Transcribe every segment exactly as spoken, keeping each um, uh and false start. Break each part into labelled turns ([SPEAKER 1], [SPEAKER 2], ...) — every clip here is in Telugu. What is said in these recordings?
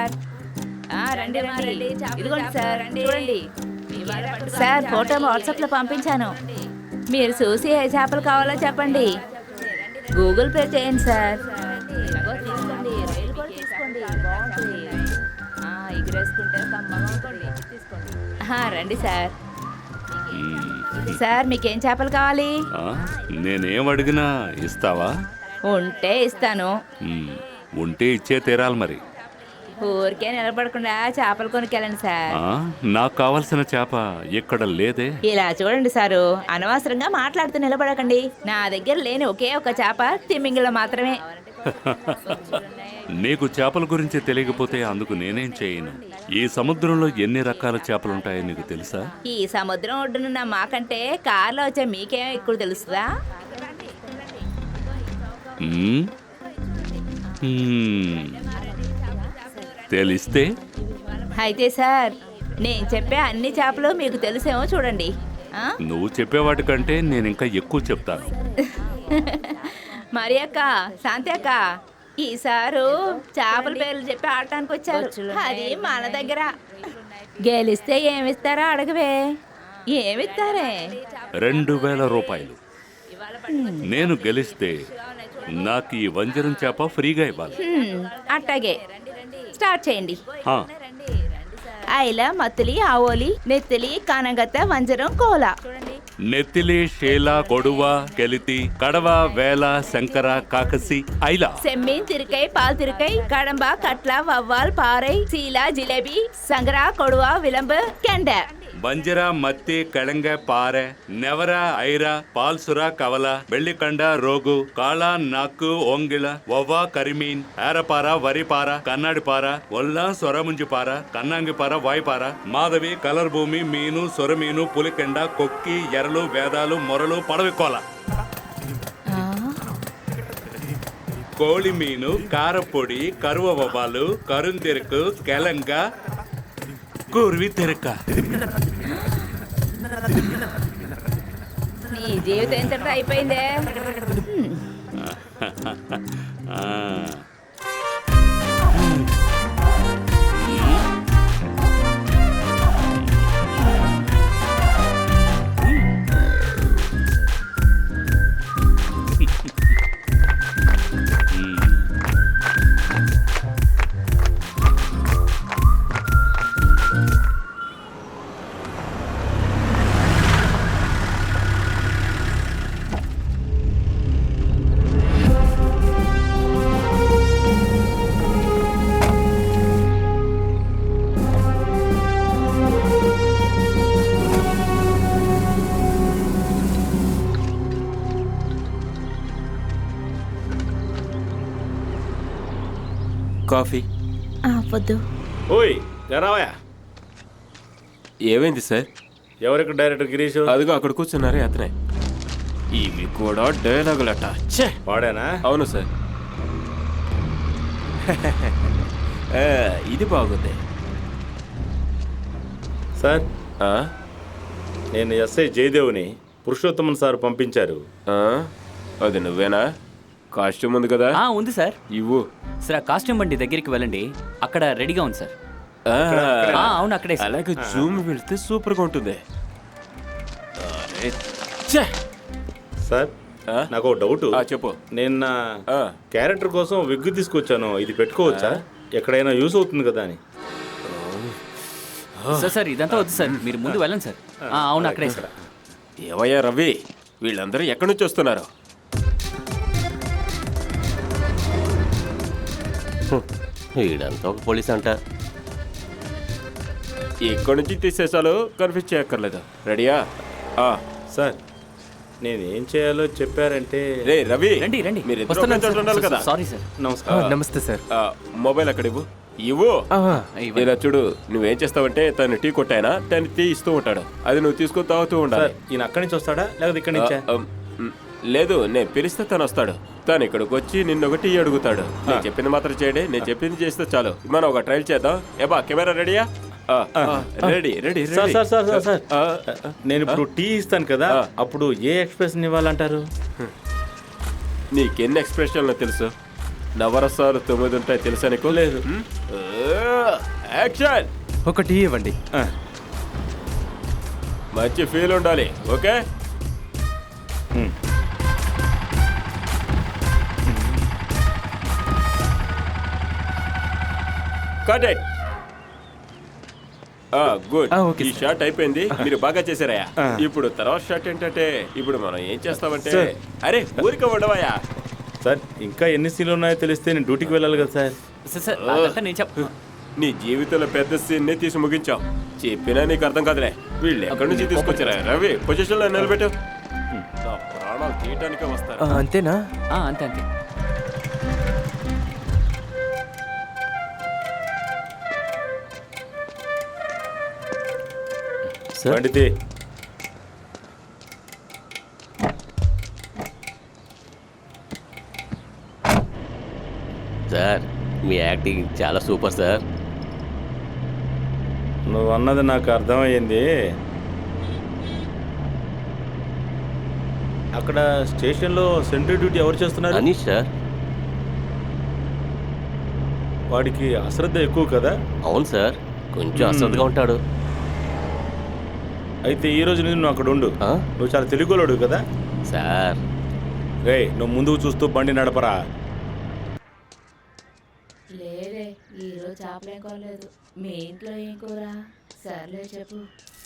[SPEAKER 1] సార్. రండి రండి, ఇదిగోండి సార్, చూడండి సార్. ఫోటో వాట్సాప్లో పంపించాను. మీరు చూసి ఏ చేపలు కావాలో చెప్పండి. గూగుల్ పే చేయండి సార్. తీసుకోండి, రైలు కూడా తీసుకోండి, బాగుంటుంది. ఎగిరేసుకుంటే కమ్మగా ఉంటుంది, తీసుకోండి. రండి సార్. సార్ మీకేం చేపలు కావాలి?
[SPEAKER 2] నేనేం అడిగినా ఇస్తావా?
[SPEAKER 1] ఉంటే ఇస్తాను.
[SPEAKER 2] ఉంటే ఇచ్చే తీరాలి మరి.
[SPEAKER 1] ఊరికే నిలబడకుండా చేపలు కొనుక్కెళ్ళండి సార్.
[SPEAKER 2] నాకు కావాల్సిన చేప ఇక్కడ లేదే.
[SPEAKER 1] ఇలా చూడండి సారు, అనవసరంగా మాట్లాడుతూ నిలబడకండి. నా దగ్గర లేని ఒకే ఒక చేప తిమ్మింగిలో మాత్రమే.
[SPEAKER 2] నీకు చేపల గురించి తెలియకపోతే అందుకు నేనేం చేయను. ఈ సముద్రంలో ఎన్ని రకాల చేపలుంటాయో నీకు తెలుసా?
[SPEAKER 1] ఈ సముద్రం ఒడ్డునున్న మాకంటే కార్లో వచ్చే మీకేమో ఎక్కువ తెలుస్తుందా?
[SPEAKER 2] తెలిస్తే
[SPEAKER 1] అయితే సార్, నేను చెప్పే అన్ని చేపలు మీకు తెలిసేమో చూడండి.
[SPEAKER 2] నువ్వు చెప్పేవాటి కంటే నేను ఇంకా ఎక్కువ చెప్తాను.
[SPEAKER 1] మరి అక్క, శాంతి అక్క, ఈసారు చేపల పేర్లు చెప్పి ఆడటానికి వచ్చారు. అది మన దగ్గర. గెలిస్తే ఏమిస్తారో అడగవే. ఏమిస్తారే?
[SPEAKER 2] రెండు వేల రూపాయలు. నేను గెలిస్తే నాకు ఈ వంజరం చేప ఫ్రీగా ఇవ్వాలి.
[SPEAKER 1] అట్టాగే, స్టార్ట్ చేయండి. ఐల, మత్తిలి, ఆవోలి, నెత్తిలి, కానగత్త, వంజరం, కోల.
[SPEAKER 2] నెత్తిలి, షేల, కొడువ, కెలితి, కడవ, వేల, శంకర, కాకసి, ఐల.
[SPEAKER 1] సెమ్మీన్, తిరుకై, పాల్ తిరుకై, కడంబ, కట్ల, వవ్వాల్, పారై, సీల, జిలేబీ, సంగర, కొడువ, విలంబు, కెండ.
[SPEAKER 2] ಬಂಜರ ಮತ್ತಿ ಕೆಳಂಗೆ ಪಾರೆ ನೆವರ ಐರ ಪಾಲ್ಸುರ ಕವಲ ಬೆಳ್ಳಿಕಂಡ ರೋಗು ಕಾಳ ನಾಕು ಓಂಗಿಳ ಒವ್ವ ಕರಿಮೀನ್ ಏರಪಾರ ವರಿಪಾರ ಕನ್ನಡಿಪಾರ ಒಲ್ಲ ಸೊರಮುಂಜಿಪಾರ ಕನ್ನಂಗಿಪಾರ ವಾಯ್ಪಾರ ಮಾಧವಿ ಕಲರ್ ಭೂಮಿ ಮೀನು ಸೊರಮೀನು పులికెండ కొక్కి ఎరలు వేదాలు మొరలు పడవికోల కోಳಿ ಮೀನು ಕಾರಪೊಡಿ ಕರುವ ಒಬ್ಬಾಲು ಕರುಂತಿರುಕು ಕೆಲಂಗ కూర్వి తెరక.
[SPEAKER 1] నీ జీవితం ఎంత అయిపోయిందే.
[SPEAKER 3] కాఫీ
[SPEAKER 1] వద్దు.
[SPEAKER 4] ఓయ్ రావయా.
[SPEAKER 3] ఏమైంది సార్?
[SPEAKER 4] ఎవరికి డైరెక్టర్ గిరీష్?
[SPEAKER 3] అదిగో అక్కడ కూర్చున్నారే అతనే. ఇవి కూడా డైలాగులట.
[SPEAKER 4] వాడేనా?
[SPEAKER 3] అవును సార్. ఇది బాగుంది
[SPEAKER 4] సార్. నేను ఎస్ఐ జయదేవ్ని పురుషోత్తమన్ సార్ పంపించారు.
[SPEAKER 3] అది నువ్వేనా? కాస్ట్యూమ్ ఉంది కదా?
[SPEAKER 5] ఉంది సార్.
[SPEAKER 3] ఇవ్వు
[SPEAKER 5] సార్. కాస్ట్యూమ్ బండి దగ్గరికి వెళ్ళండి, అక్కడ రెడీగా ఉంది సార్. అవును అక్కడే.
[SPEAKER 3] అలాగే జూమ్ వెళ్తే సూపర్ గా ఉంటుంది.
[SPEAKER 4] సార్ నాకు ఒక డౌట్.
[SPEAKER 3] చెప్పు.
[SPEAKER 4] నేను నా క్యారెక్టర్ కోసం విగ్ తీసుకొచ్చాను, ఇది పెట్టుకోవచ్చా? ఎక్కడైనా యూస్ అవుతుంది కదా అని.
[SPEAKER 5] సార్ సార్ ఇదంతా వద్దు సార్, మీరు ముందు వెళ్ళండి సార్. అవును అక్కడే సార్.
[SPEAKER 3] ఏవయ్యా రవి, వీళ్ళందరూ ఎక్కడి నుంచి వస్తున్నారు?
[SPEAKER 6] వీడంతా ఒక పోలీస్ అంట.
[SPEAKER 3] ఇక్కడి నుంచి తీసేసాలు, కన్ఫ్యూజ్ చేయక్కర్లేదు. రెడీయా?
[SPEAKER 4] సార్ నేనేం చేయాలో చెప్పారంటే.
[SPEAKER 3] రే రవి,
[SPEAKER 5] రండి రండి.
[SPEAKER 3] మీరు ఉండాలి కదా.
[SPEAKER 5] Sorry sir.
[SPEAKER 4] నమస్కారం.
[SPEAKER 6] నమస్తే సార్.
[SPEAKER 3] మొబైల్ అక్కడ ఇవ్వు. ఇవ్వు. ఇలా చూడు, నువ్వేం చేస్తావంటే తను టీ కొట్టాయనా తను టీ ఇస్తూ ఉంటాడు, అది నువ్వు తీసుకొని తాగుతూ ఉండాలి.
[SPEAKER 4] ఈయన అక్కడి నుంచి వస్తాడా లేకపోతే ఇక్కడి నుంచా?
[SPEAKER 3] లేదు, నేను పిలిస్తే తను వస్తాడు. తను ఇక్కడికి వచ్చి నిన్ను ఒకటి అడుగుతాడు. నేను చెప్పింది మాత్రం చేయడే, నేను చెప్పింది చేస్తే చాలు. మనం ఒక ట్రైల్ చేద్దాం. ఏబా కెమెరా రెడీయా? Ready ready.
[SPEAKER 4] Sir sir sir sir నేను ఇప్పుడు టీ ఇస్తాను కదా, అప్పుడు ఏ ఎక్స్ప్రెషన్ ఇవ్వాలంటారు?
[SPEAKER 3] నీకెన్ని ఎక్స్ప్రెషన్లు తెలుసు? నవరసాలు తొమ్మిది ఉంటాయి తెలుసా నీకు?
[SPEAKER 4] లేదు.
[SPEAKER 3] యాక్షన్.
[SPEAKER 7] ఒక టీ ఇవ్వండి.
[SPEAKER 4] ఆ,
[SPEAKER 3] మంచి ఫీల్ ఉండాలి. Okay.
[SPEAKER 4] Um.
[SPEAKER 3] Cut it. Good.
[SPEAKER 7] ఆ, ఓకే
[SPEAKER 3] ఈ
[SPEAKER 7] సార్.
[SPEAKER 3] షాట్ అయిపోయింది. మీరు బాగా చేశారయ్యా.
[SPEAKER 4] ఆ.
[SPEAKER 3] ఇప్పుడు తర్వాత షాట్ ఏంటంటే ఇప్పుడు మనం ఏం చేస్తామంటే
[SPEAKER 4] సార్.
[SPEAKER 3] అరే ఊరికే ఉండవయ్యా.
[SPEAKER 4] సార్ ఇంకా ఎన్ని సీన్లు ఉన్నాయో తెలిస్తే నేను డ్యూటీకి వెళ్ళాలి కదా సార్.
[SPEAKER 5] సార్ సార్ అదంతా నేను చెప్
[SPEAKER 3] నీ జీవితంలో పెద్ద సీన్ ని తీసి ముగించావు. చెప్పినా నీకు అర్థం కాదులే. వీళ్ళు ఎక్కడి నుంచి తీసుకొచ్చారా? రవి పొజిషన్ లో నిలబెట్టు. నా ప్రాణాలు తీయటానికే వస్తారు.
[SPEAKER 7] ఆ, అంతేనా?
[SPEAKER 5] ఆ, అంతే అంతే.
[SPEAKER 7] సార్
[SPEAKER 4] పండితే
[SPEAKER 6] సార్ మీ యాక్టింగ్ చాలా సూపర్ సార్.
[SPEAKER 4] నువ్వు అన్నది నాకు అర్థమయ్యింది. అక్కడ స్టేషన్లో సెంట్రీ డ్యూటీ ఎవరు చేస్తున్నారు?
[SPEAKER 6] అనీష్ సార్.
[SPEAKER 4] వాడికి అశ్రద్ధ ఎక్కువ కదా.
[SPEAKER 6] అవును సార్, కొంచెం అశ్రద్ధగా ఉంటాడు.
[SPEAKER 4] అయితే ఈ రోజు నుంచి నువ్వు అక్కడ ఉండు.
[SPEAKER 6] ఆ?
[SPEAKER 4] నువ్వు చాలా తెలుగులోడు కదా.
[SPEAKER 6] సార్
[SPEAKER 4] రే నువ్వు ముందుకు చూస్తూ బండి నడపరా.
[SPEAKER 1] లేదే ఈరోజు చేపలేం కొనలేదు. మీ ఇంట్లో ఏం కూర? సర్లే చెప్పు.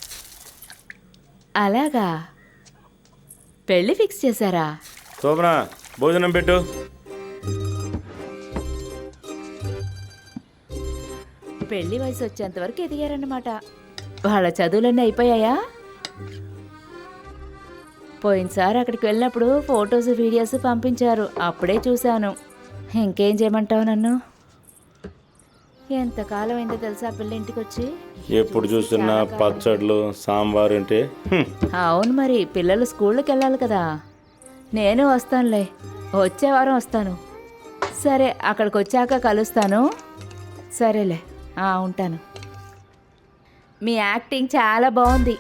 [SPEAKER 1] అలాగా, పెళ్ళి ఫిక్స్ చేశారా?
[SPEAKER 4] శోభన భోజనం పెట్టు.
[SPEAKER 1] పెళ్లి వయసు వచ్చేంత వరకు ఎదిగారన్నమాట. వాళ్ళ చదువులన్నీ అయిపోయాయా? పోయినసారి అక్కడికి వెళ్ళినప్పుడు ఫొటోస్ వీడియోస్ పంపించారు, అప్పుడే చూశాను. ఇంకేం చేయమంటావు నన్ను? ఎంతకాలం అయిందో తెలుసా పిల్ల ఇంటికి వచ్చి?
[SPEAKER 4] ఎప్పుడు చూస్తున్నా పచ్చళ్ళు సాంబార్ అంటే హ్మ్.
[SPEAKER 1] అవును, మరి పిల్లలు స్కూళ్ళకి వెళ్ళాలి కదా. నేను వస్తానులే, వచ్చే వారం వస్తాను. సరే, అక్కడికి వచ్చాక కలుస్తాను. సరేలే, ఆ, ఉంటాను. మీ యాక్టింగ్ చాలా బాగుంది.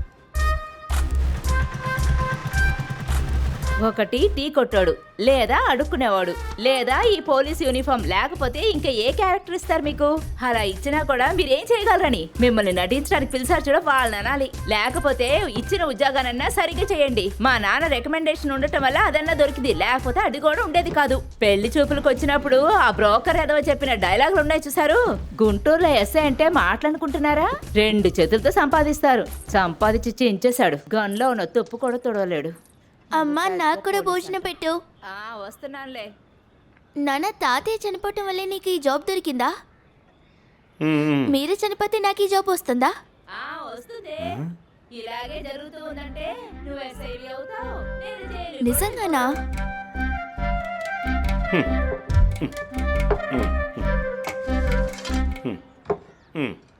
[SPEAKER 1] ఒకటి టీ కొట్టాడు, లేదా అడుక్కునేవాడు, లేదా ఈ పోలీస్ యూనిఫామ్, లేకపోతే ఇంకా ఏ క్యారెక్టర్ ఇస్తారు మీకు? అలా ఇచ్చినా కూడా మీరేం చేయగలరని మిమ్మల్ని నటించడానికి పిలిచారు చూడ, వాళ్ళని అనాలి. లేకపోతే ఇచ్చిన ఉద్యోగానన్నా సరిగ్గా చేయండి. మా నాన్న రికమెండేషన్ ఉండటం వల్ల అదన్నా దొరికింది, లేకపోతే అది కూడా ఉండేది కాదు. పెళ్లి చూపులకు వచ్చినప్పుడు ఆ బ్రోకర్ ఏదో చెప్పిన డైలాగులు ఉన్నాయి చూసారు? గుంటూరులో ఎస్ఐ అంటే మాట్లాడుకుంటున్నారా? రెండు చేతులతో సంపాదిస్తారు. సంపాదించి చించేశాడు. గన్లో ఉన్న తుప్పు కూడా తుడవలేడు.
[SPEAKER 8] అమ్మా నాకు కూడా భోజనం పెట్టు.
[SPEAKER 1] ఆ, వస్తున్నానులే.
[SPEAKER 8] నాన్న, తాతయ్య చనిపోవటం వల్లే నీకు ఈ జాబ్ దొరికిందా?
[SPEAKER 4] హ్మ్.
[SPEAKER 8] మీరే చనిపోతే నాకు ఈ జాబ్ వస్తుందా?
[SPEAKER 1] ఆ, వస్తుంది. ఇలాగే జరుగుతూ ఉందంటే నువ్వు ఎస్ఐవి అవుతావు, నేను జైలుకి
[SPEAKER 8] నిజంగానా?
[SPEAKER 4] హ్మ్.